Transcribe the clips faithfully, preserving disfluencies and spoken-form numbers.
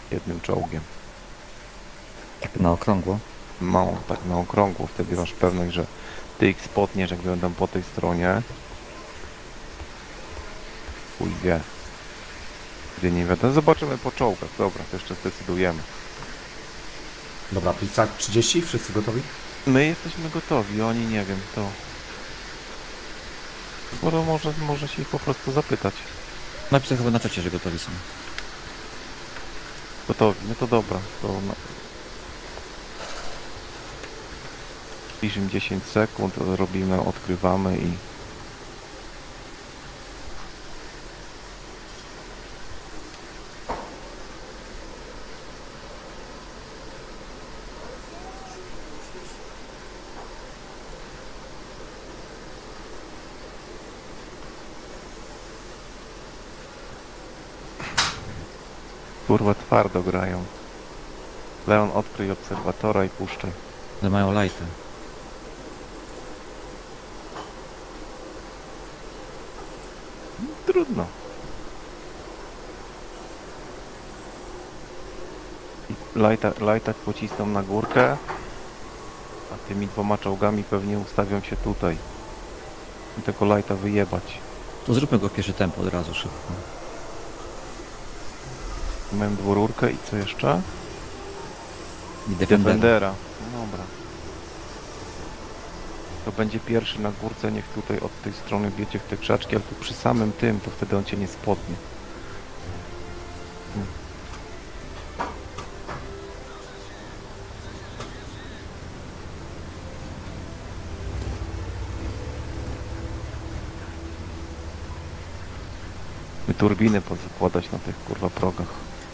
jednym czołgiem. Tak na okrągło. Mało, tak na okrągło, wtedy masz pewność, że ty ich spotniesz, jak będą po tej stronie. Chuj wie. Gdy nie wiadomo, zobaczymy po czołgach, dobra, to jeszcze zdecydujemy. Dobra, pizza trzydzieści, wszyscy gotowi? My jesteśmy gotowi, oni nie wiem, to... Może, może, może się ich po prostu zapytać. Napisał chyba na czacie, że gotowi są. Gotowi, no to dobra, to... Na... Piszemy dziesięć sekund, robimy, odkrywamy i... Kurwa, twardo grają. Leon, odkryj obserwatora i puszczaj. Ale mają lajtę. Trudno. I Lajta, lajtak pocisną na górkę, a tymi dwoma czołgami pewnie ustawią się tutaj. I tego lajta wyjebać. To zróbmy go w pierwsze tempo od razu szybko. Mam dwururkę i co jeszcze? I defender. Defendera. No dobra. To będzie pierwszy na górce, niech tutaj od tej strony wiecie w te krzaczki, ale tu przy samym tym, to wtedy on cię nie spodnie. Hmm. I turbiny pozakładać na tych kurwa progach.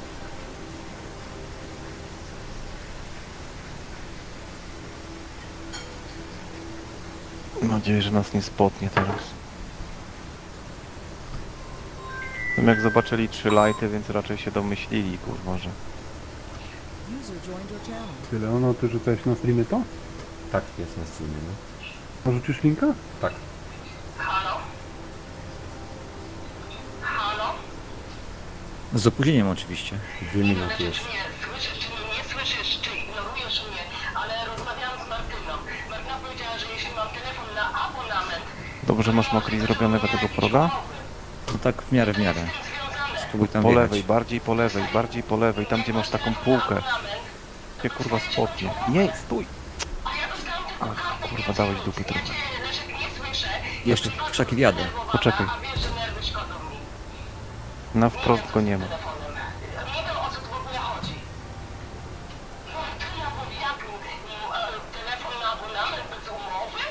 Mam nadzieję, że nas nie spotnie teraz. No jak zobaczyli trzy lighty, więc raczej się domyślili, kurwa, że... Tyle, ono ty rzucałeś na streamy to? Tak, jest na streamie, no. Porzucisz linka? Tak. Z opóźnieniem oczywiście. Dwie minuty jest. Nie, słyszysz, czy mnie nie słyszysz, czy ignorujesz mnie, ale rozmawiałam z Martyną. Martyna powiedziała, że jeśli mam telefon na abonament, Dobrze masz Mokri zrobionego tego proga? No tak w miarę, w miarę. Spróbuj tam Po wjechać. lewej, bardziej po lewej, bardziej po lewej, tam gdzie masz taką półkę. Gdzie kurwa spotnie. Nie, stój! Ach, kurwa, dałeś dupy trochę. Leszek, nie słyszę, Jeszcze w krzaki wjadę. Poczekaj, a wiesz, że nerwy szkodzą mi na wprost go nie ma. telefonem. Nie wiem, o co tu w ogóle chodzi. Martyna mówi, jak mm, e, telefon na abonament bez umowy?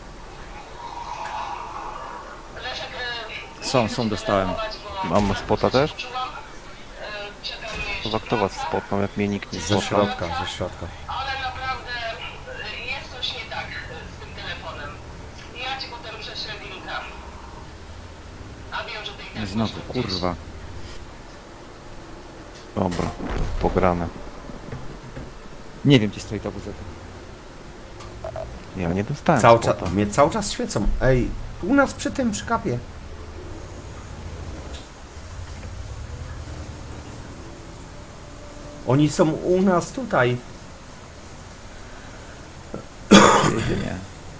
Leszek, e, Są, są, dostałem. Mam spota też? czułam, e, czekam jeszcze. Chyba kto was spotnął, jak mnie nikt nie Ze spotnął? środka, ze środka. Ale naprawdę y, jest coś nie tak y, z tym telefonem. Ja ci potem prześlę linka. A wiem, że ty i tak Znowu, masz gdzieś. kurwa. Dobra, pograne. Nie wiem, gdzie stoi ta buzeta. Ja nie dostałem Cały spota. czas, mnie cały czas świecą. Ej, u nas przy tym, przy kapie. Oni są u nas tutaj. Przyjedzie, nie.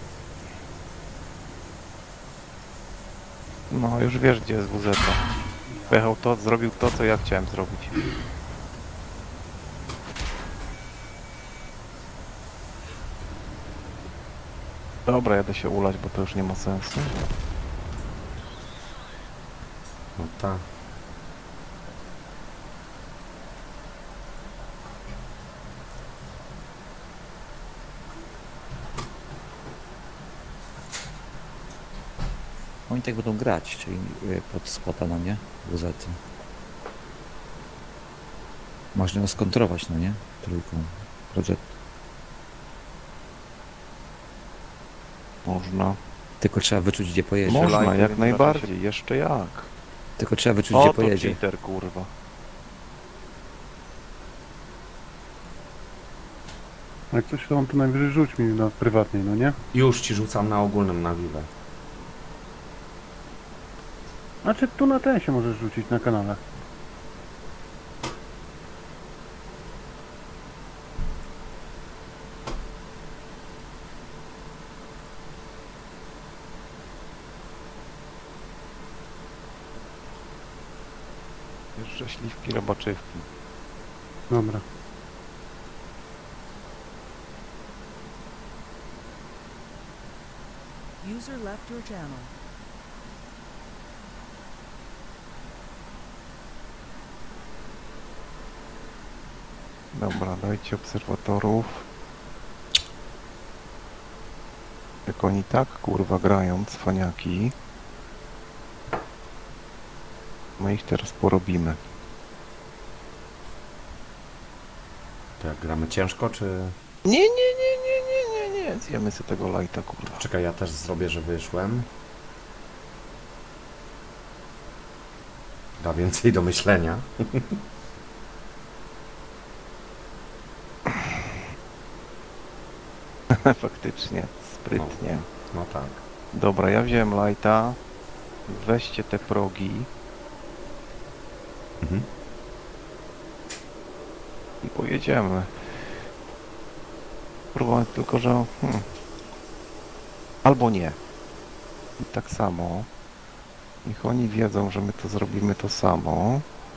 No, już wiesz, gdzie jest W Z. Pojechał to, zrobił to, co ja chciałem zrobić. Dobra, jadę się ulać, bo to już nie ma sensu. No tak. Oni tak będą grać, czyli y, pod spota, no nie? Buzety. Można ją skontrować, no nie? Trójką. Project. Można. Tylko trzeba wyczuć, gdzie pojedzie. Można, Lajty, jak więc najbardziej, jeszcze jak. Tylko trzeba wyczuć, O, gdzie to pojedzie. cheater, kurwa. Jak coś to on to najwyżej rzuć mi na prywatnej, no nie? Już ci rzucam na ogólnym na wiwę. Znaczy tu na ten się możesz rzucić na kanale. Prześliwki, robaczywki. Dobra. User left your channel. Dobra, dajcie obserwatorów. Jak oni tak kurwa grają, cwaniaki. My ich teraz porobimy. To jak gramy ciężko, czy... Nie, nie, nie, nie, nie, nie, nie. Zjemy sobie tego lighta, kurwa. Czekaj, ja też zrobię, że wyszłem. Da więcej do myślenia. Faktycznie, sprytnie. No tak. Dobra, ja wziąłem lighta. Weźcie te progi Mhm. i pojedziemy. Próbuję tylko, że... Hmm. Albo nie. I tak samo. Niech oni wiedzą, że my to zrobimy to samo.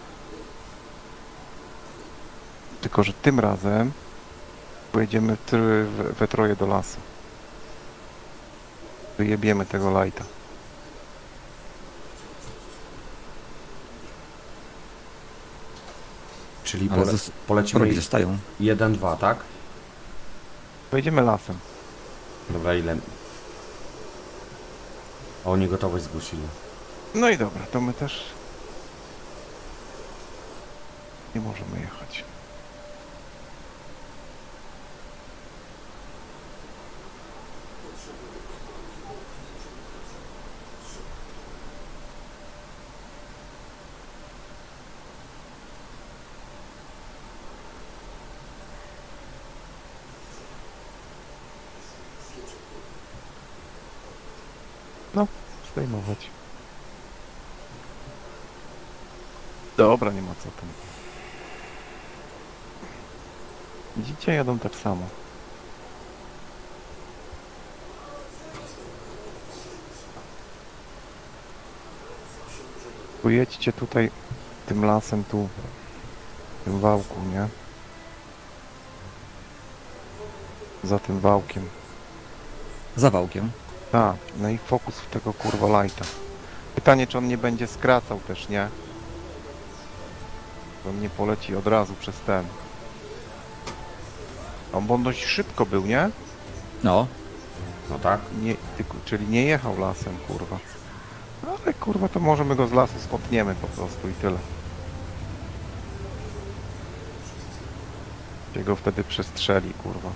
Tylko, że tym razem pojedziemy tr- we, we troje do lasu. Wyjebiemy tego lighta. Czyli Ale pole... zos- polecimy progi zostają. jeden dwa, tak? Pojedziemy lasem. Dobra, ile... A oni gotowość zgłosili. No i dobra, to my też nie możemy jechać. No, zdejmować. Dobra, nie ma co tam. Widzicie, jadą tak samo. Pojedźcie tutaj tym lasem tu, tym wałku, nie? Za tym wałkiem. Za wałkiem. Tak, no i fokus w tego kurwa lighta. Pytanie, czy on nie będzie skracał też, nie? Bo on nie poleci od razu przez ten. On, bo on dość szybko był, nie? No, No tak? nie tylko, czyli nie jechał lasem, kurwa. Ale kurwa, to możemy go z lasu spotniemy po prostu i tyle. Się go wtedy przestrzeli, kurwa.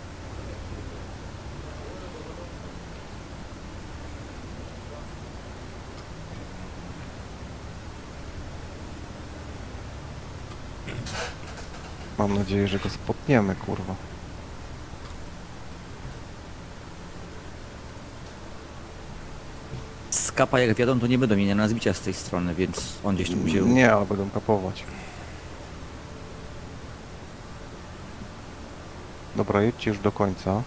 Mam nadzieję, że go spotniemy, kurwa. z kapa jak wiadomo, to nie będą mieli na zbicia z tej strony, więc on gdzieś tu wziął. Nie, ale będą kapować. Dobra, jedźcie już do końca.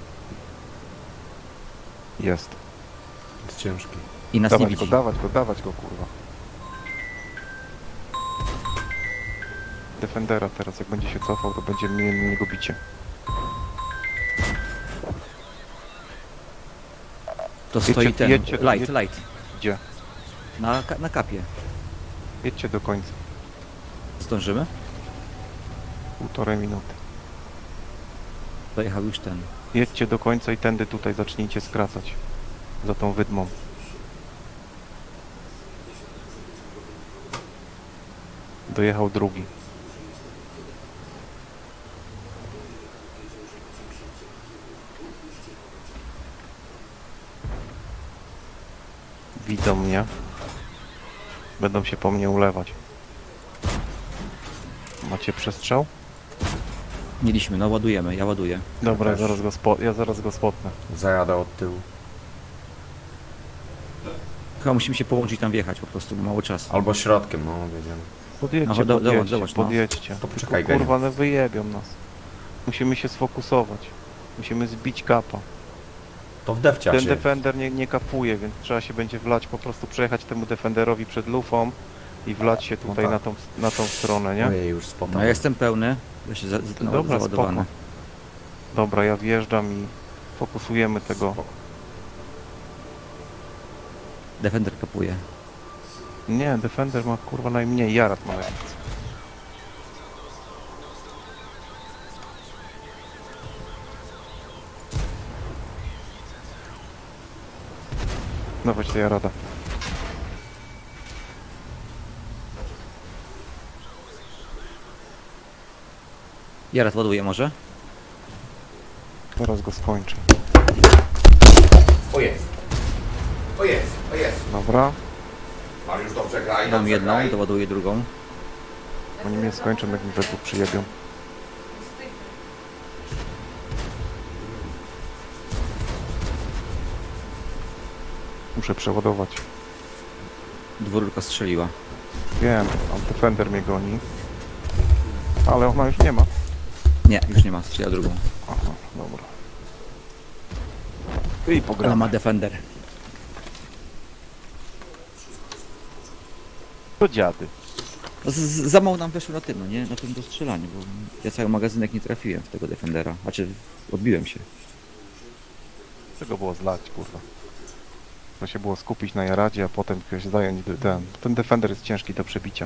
Jest. Jest ciężki. I nas nie Dawać widzi. go, dawać go, dawać go, kurwa. Defendera teraz, jak będzie się cofał, to będziemy mieli na niego bicie. To stoi Jedźcie- ten, jedźcie- light, jedź- light. Gdzie? Na, ka- na kapie. Jedźcie do końca. Zdążymy? Półtorej minuty. Dojechał już ten. Jedźcie do końca i tędy tutaj zacznijcie skracać. Za tą wydmą. Dojechał drugi. Widzą mnie. Będą się po mnie ulewać. Macie przestrzał? Mieliśmy, no ładujemy, ja ładuję. Dobra, ja też. zaraz go, spo, ja zaraz go spotnę. Zajadę od tyłu. Chyba musimy się połączyć tam wjechać po prostu, bo mało czasu. Albo środkiem, no wiedziałem. Podjedźcie, No, do- podjedźcie, dołącz, dołącz, no. podjedźcie. To Tylko, poczekaj, kurwa, no wyjebią nas. Musimy się sfokusować. Musimy zbić kapa. To w defciacie. Ten defender nie, nie kapuje, więc trzeba się będzie wlać, po prostu przejechać temu defenderowi przed lufą, i wlać się tutaj tak. na, tą, na tą stronę, nie? Ojej, już spotał. No ja jestem pełny. Ja się za, za, no, Dobra, załadowany. spoko. Dobra, ja wjeżdżam i fokusujemy tego. Defender kapuje. Nie, Defender ma kurwa najmniej, Jarat ma najmniej. No chodź, to Jarada. Jarat ładuje może? Teraz go skończę. O jest. O jest, o jest. Dobra, Mariusz, dobrze graj, Dam dobrze jedną, graj. doładuję drugą. oni mnie skończą, jak mi we dwóch przyjebią. Muszę przeładować. Dwórka strzeliła. Wiem, tam Defender mnie goni. Ale ona już nie ma. Nie, już nie ma, strzeliła drugą. Aha, dobra. I Ale pogramy. ma Defender. To dziady. No, z, z, za mało nam weszło na tym, no nie? Na tym dostrzelaniu, bo ja cały magazynek nie trafiłem w tego Defendera. Znaczy, odbiłem się. Czego było zlać, kurwa. To się było skupić na Jaradzie, a potem ktoś zająć de- ten. Ten Defender jest ciężki do przebicia.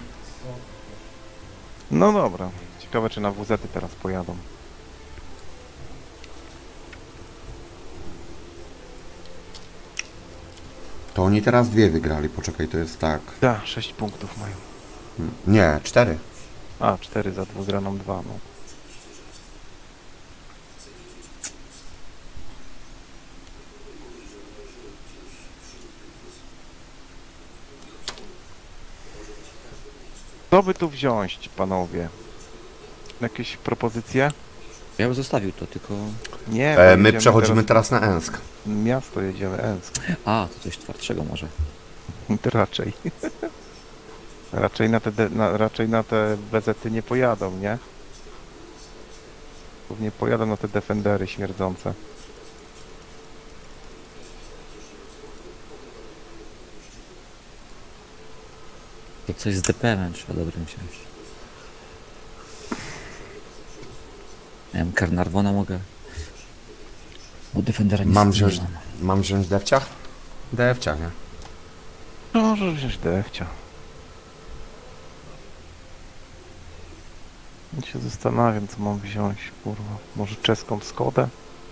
No dobra. Ciekawe, czy na W Z-y teraz pojadą. To oni teraz dwie wygrali, poczekaj, to jest tak. Tak, sześć punktów mają. Nie, cztery. A, cztery za dwugraną dwa, no. Co by tu wziąć, panowie? Jakieś propozycje? Ja bym zostawił to, tylko... Nie, bo E, my jedziemy przechodzimy teraz na Ensk. Miasto jedziemy, Ensk. A, to coś twardszego może. To raczej. raczej na te, de- na, raczej na te B Z-y nie pojadą, nie? Głównie pojadą na te Defendery śmierdzące. To coś z D P M-em trzeba dobrym wziąć. Nie wiem, Carnarvona mogę. Bo Defendera nie Mam nie wziąć, mam. mam wziąć Defciach? Defcia, nie? No, może wziąć defcia. Ja się zastanawiam, co mam wziąć, kurwa. Może czeską Skodę?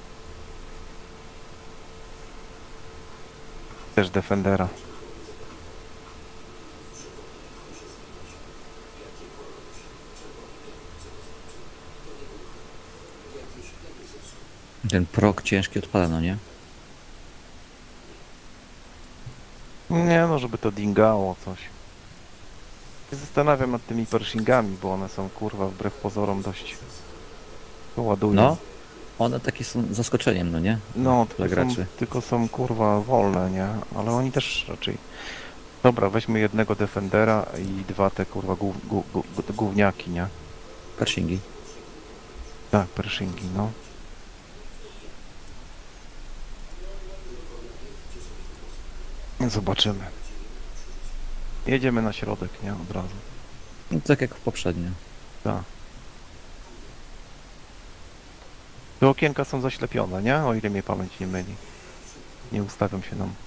Też Defendera. Ten prok ciężki odpada, no nie? Nie no, żeby to dingało coś. Się zastanawiam nad tymi Pershingami, bo one są, kurwa, wbrew pozorom dość... To ładują. No, one takie są zaskoczeniem, no nie? No, Dla tylko są, graczy. tylko są kurwa wolne, nie? Ale oni też raczej... Dobra, weźmy jednego Defendera i dwa te kurwa gó, gó, gó, gówniaki, nie? Pershingi. Tak, Pershingi, no. Zobaczymy. Jedziemy na środek, nie? Od razu. No, tak jak poprzednio. Tak. Te okienka są zaślepione, nie? O ile mnie pamięć nie myli. Nie ustawiam się nam.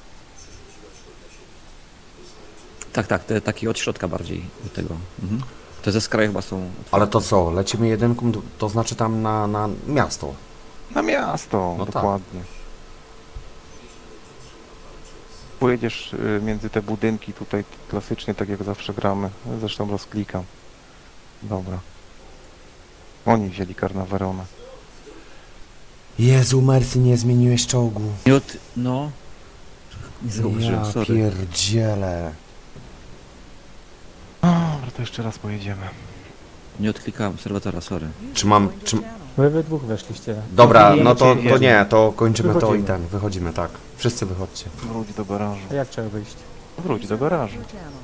Tak, tak, te takie od środka bardziej do tego. Mhm. Te ze skraju chyba są... Ale to co, lecimy jedynką, to- to znaczy tam na, na miasto. Na miasto, No tak. dokładnie. Pojedziesz y, między te budynki tutaj klasycznie, tak jak zawsze gramy. Zresztą rozklikam. Dobra. Oni wzięli Carnaverona. Jezu, Mercy, nie zmieniłeś czołgu. Nie od... no... Nie zauważyłem, Ja sorry. pierdzielę. Dobra, to jeszcze raz pojedziemy. Nie odklikałem obserwatora, sorry. Czy mam- Joined your czy- channel. Wy we dwóch weszliście. Dobra, no to, Jedziemy. to nie, to kończymy to i Wychodzimy. ten, wychodzimy, tak. Wszyscy wychodźcie. Wróć do garażu. A jak trzeba wyjść? Wróć do User left garażu. your channel.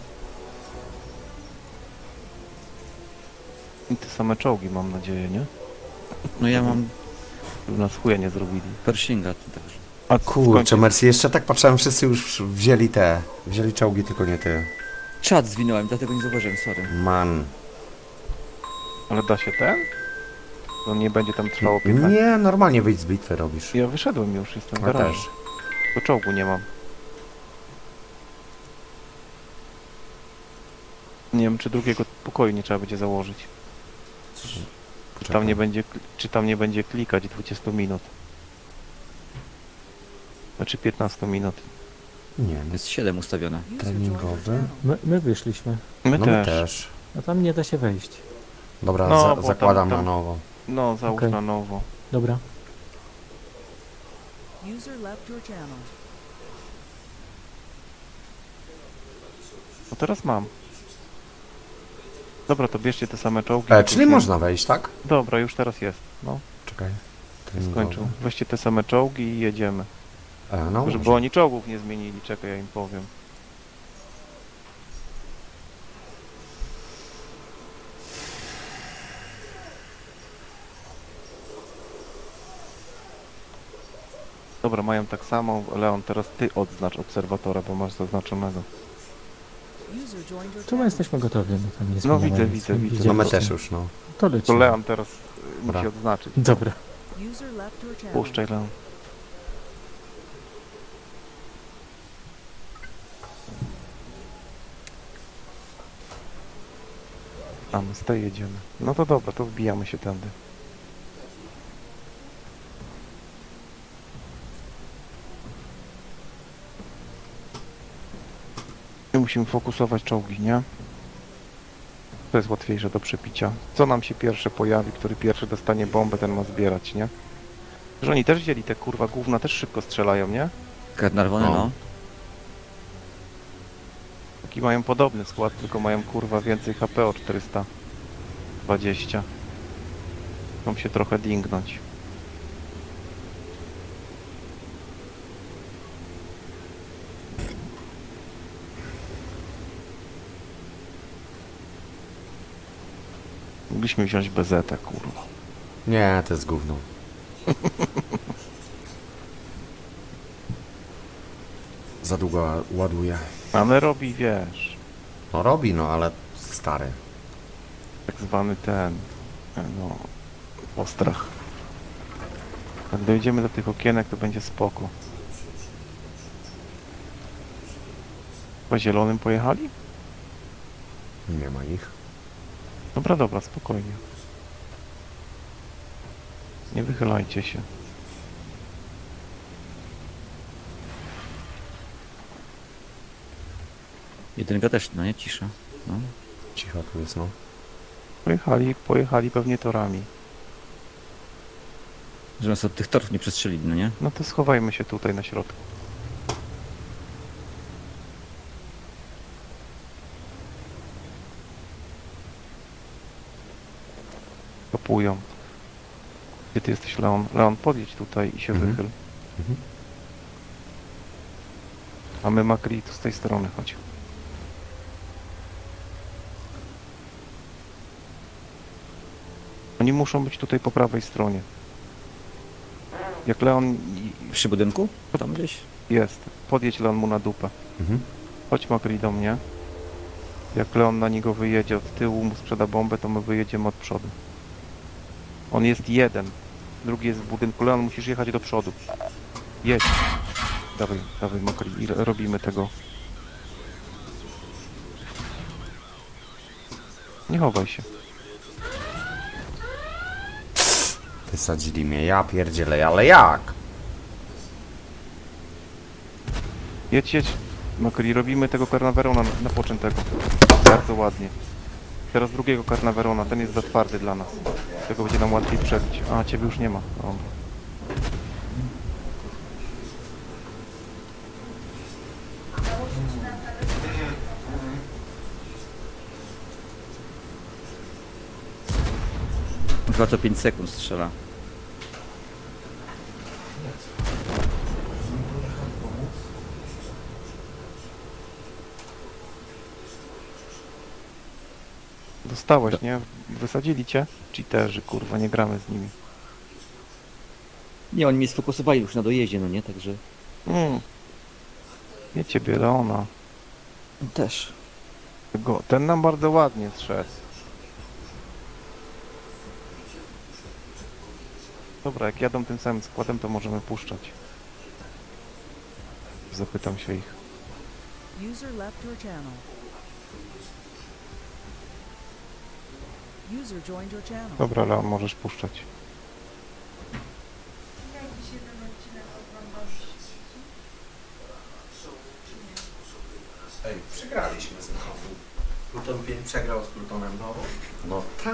I te same czołgi, mam nadzieję, nie? No ja mam Żeby nas chuja nie zrobili. Pershinga tu także. A Kurczę, Mercy, jeszcze tak patrzyłem, wszyscy już wzięli te, wzięli czołgi, tylko nie ty. Czad zwinąłem, dlatego nie zauważyłem, sorry. Man. Ale da się ten? To nie będzie tam trwało piętnaście. Nie, normalnie wyjść z bitwy robisz. Ja wyszedłem już, jestem w Ja garażu. też. To czołgu nie mam. Nie wiem, czy drugiego pokoju nie trzeba będzie założyć. Czy tam nie będzie, kl- czy tam nie będzie klikać dwadzieścia minut. Znaczy piętnaście minut. Nie, Jest siedem ustawione. User joined your treningowy. channel. My, my wyszliśmy. My No też. my też. A tam nie da się wejść. Dobra, No, za bo zakładam tam- na tam- nowo. No, załóż Okej. na nowo. Dobra. User left your channel. No teraz mam. Dobra, to bierzcie te same czołgi. E, to czyli już nie- można wejść, tak? Dobra, już teraz jest. No, Czekaj. skończył. Weźcie te same czołgi i jedziemy. E, no, Żeby może. oni czołgów nie zmienili, czekaj, ja im powiem. Dobra, mają tak samo. Leon, teraz ty odznacz obserwatora, bo masz zaznaczonego. User joined your Tu my channel. jesteśmy gotowi, my tam nie No zmieniamy widzę, nic. widzę, widzę. No my Widzieliście. też już, no. To To lecimy. Leon teraz y, Dobra. musi odznaczyć. Dobra. User left your channel. Puszczaj, Leon. A my z tej jedziemy. No to dobra, to wbijamy się tędy. I musimy fokusować czołgi, nie? To jest łatwiejsze do przepicia. Co nam się pierwsze pojawi, który pierwszy dostanie bombę, ten ma zbierać, nie? Że oni też wzięli te kurwa gówna, też szybko strzelają, nie? Karnarwony, No. no. Taki mają podobny skład, tylko mają kurwa więcej H P o czterysta dwadzieścia. Chcą się trochę dingnąć. Mogliśmy wziąć B Z, kurwa. Nie, to jest gówno. Za długo ładuje. Ale robi, wiesz, No robi, no ale stary. tak zwany ten, e, no, postrach. Jak dojdziemy do tych okienek, to będzie spoko. Po zielonym pojechali? Nie ma ich. Dobra, dobra, spokojnie. Nie wychylajcie się. Jedynka też, no nie, cisza. No. Cicho tu jest, no. Pojechali, pojechali pewnie torami. Że nas od tych torów nie przestrzelili, no nie? No to schowajmy się tutaj na środku. Kopują. Gdzie ty jesteś, Leon? Leon, podjedź tutaj i się Mhm. wychyl. Mhm. A my Makri tu z tej strony, chodź. Oni muszą być tutaj po prawej stronie. Jak Leon i- Przy budynku? Tam gdzieś? jest, podjedź Leon mu na dupę. Mhm. Chodź Makri do mnie. Jak Leon na niego wyjedzie od tyłu, mu sprzeda bombę, to my wyjedziemy od przodu. On jest jeden. Drugi jest w budynku. Leon, musisz jechać do przodu. Jedź. Dawaj, dawaj Makri. I ro- robimy tego. Nie chowaj się. Wysadzili mnie, ja pierdzielę, ale jak? Jedź, jedź. Makri, robimy tego Carnaverona na, na poczętego. Bardzo ładnie. Teraz drugiego Carnaverona. Ten jest za twardy dla nas. Tego będzie nam łatwiej przebić. A, ciebie już nie ma. O. Chyba co pięć sekund strzela. Dostałeś, nie? Wysadzili cię? Cheaterzy, kurwa, nie gramy z nimi. Nie, oni mnie sfokusowali już na dojeździe, no nie? Także Mm. Nie ciebie, Leona. też. Go, ten nam bardzo ładnie zszedł. Dobra, jak jadą tym samym składem, to możemy puszczać. Zapytam się ich. User left your channel. User joined your channel. Dobra, Leon, możesz puszczać. Ej, przegraliśmy znowu. Pluton pięć przegrał z Plutonem no. No tak.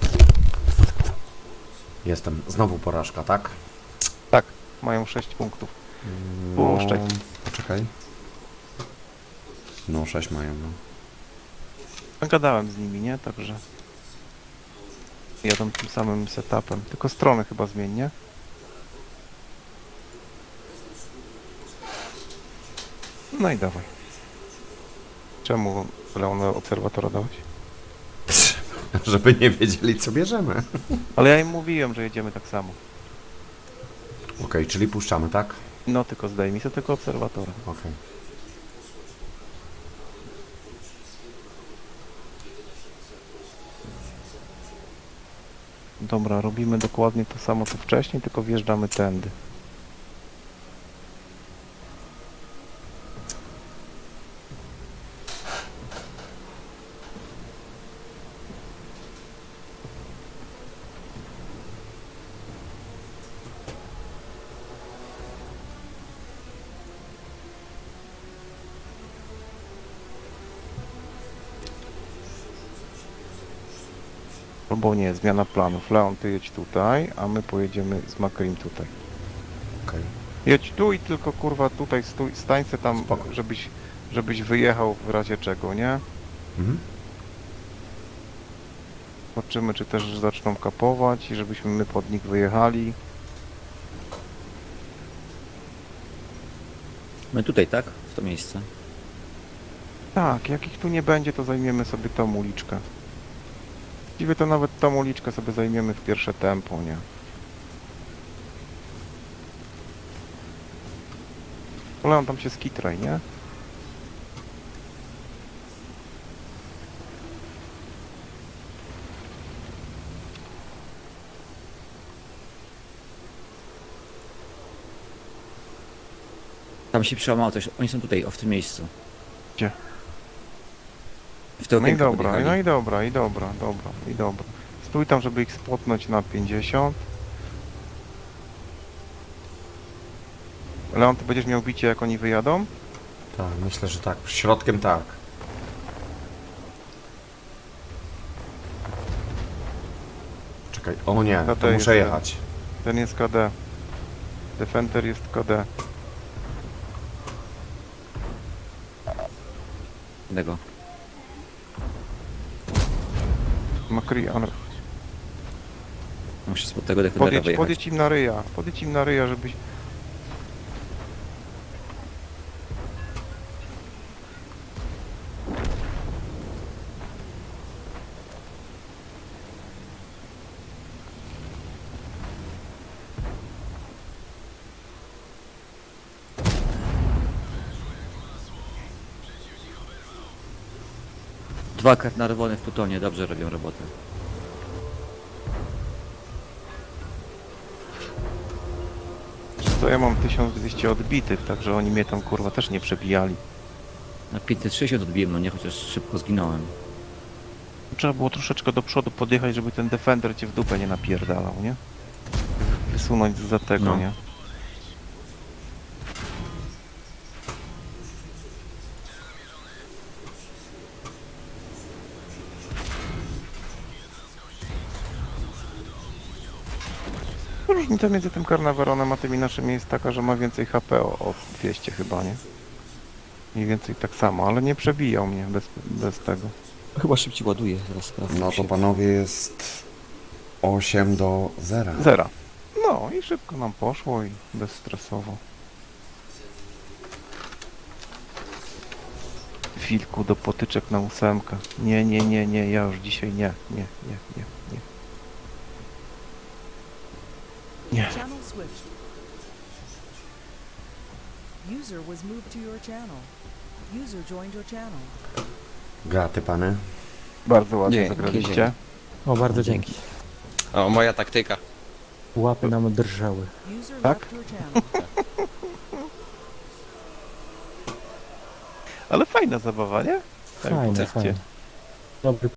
Jestem. Znowu porażka, tak? Tak, mają sześć punktów. No, Puszczaj. poczekaj. No, sześć mają, no. Gadałem z nimi, nie? Także jadą tym samym setupem. Tylko strony chyba zmień, nie? No i dawaj. Czemu Leon obserwatora dałeś? Żeby nie wiedzieli, co bierzemy. Ale ja im mówiłem, że jedziemy tak samo. Okej, czyli puszczamy, tak? No tylko zdejmij sobie tylko obserwatora. Okej. Dobra, robimy dokładnie to samo co wcześniej, tylko wjeżdżamy tędy. Albo nie, zmiana planów. Leon, ty jedź tutaj, a my pojedziemy z Makrim tutaj. Okej. Jedź tu i tylko kurwa tutaj stój, stań se tam, Spoko. żebyś, żebyś wyjechał w razie czego, nie? Mhm. Zobaczymy, czy też zaczną kapować i żebyśmy my pod nich wyjechali. My tutaj, tak? W to miejsce. Tak, jak ich tu nie będzie, to zajmiemy sobie tą uliczkę. Właściwie to nawet tą uliczkę sobie zajmiemy w pierwsze tempo, nie? Ale on tam się skitraj, nie? Tam się przełamało coś. Oni są tutaj, o, w tym miejscu. Gdzie? W to No i okienko dobra, podjechali. no i dobra, i dobra, dobra, i dobra. Stój tam, żeby ich spotnąć na pięćdziesiąt. Leon, ty będziesz miał bicie, jak oni wyjadą? Tak, myślę, że tak. Środkiem tak. Czekaj, o nie, To to to muszę jest- jechać. Ten jest K D. Defender jest K D. Tego. Makri, ale... Muszę spod tego defendera Podjedź, wyjechać. podjedź im na ryja. Podjedź im na ryja, żebyś... Dwa karnarwony w Plutonie, dobrze robią robotę. To ja mam tysiąc dwieście odbitych, także oni mnie tam kurwa też nie przebijali. Na pięćset sześćdziesiąt odbiłem, no nie, chociaż szybko zginąłem. Trzeba było troszeczkę do przodu podjechać, żeby ten Defender cię w dupę nie napierdalał, nie? Wysunąć za tego, No. nie? Różnica między tym Carnaveronem a tymi naszymi jest taka, że ma więcej H P o, o dwieście chyba, nie? Mniej więcej tak samo, ale nie przebijał mnie bez, bez tego. Chyba szybciej ładuje, zaraz sprawdzę. No to panowie jest osiem do zera. Zera. No i szybko nam poszło i bezstresowo. Wilku do potyczek na ósemkę. Nie, nie, nie, nie, ja już dzisiaj nie, nie, nie, nie, nie. Nie. Channel switched. User was moved to your channel. User joined your channel. Graty, pany. Bardzo ładnie Dzięki, zagraliście. dzięki. O, bardzo dzięki. O, moja taktyka. Łapy nam drżały. User Tak? left your channel. Ale fajna zabawa, nie? Tak, Fajne, powiedzcie. fajne. Dobry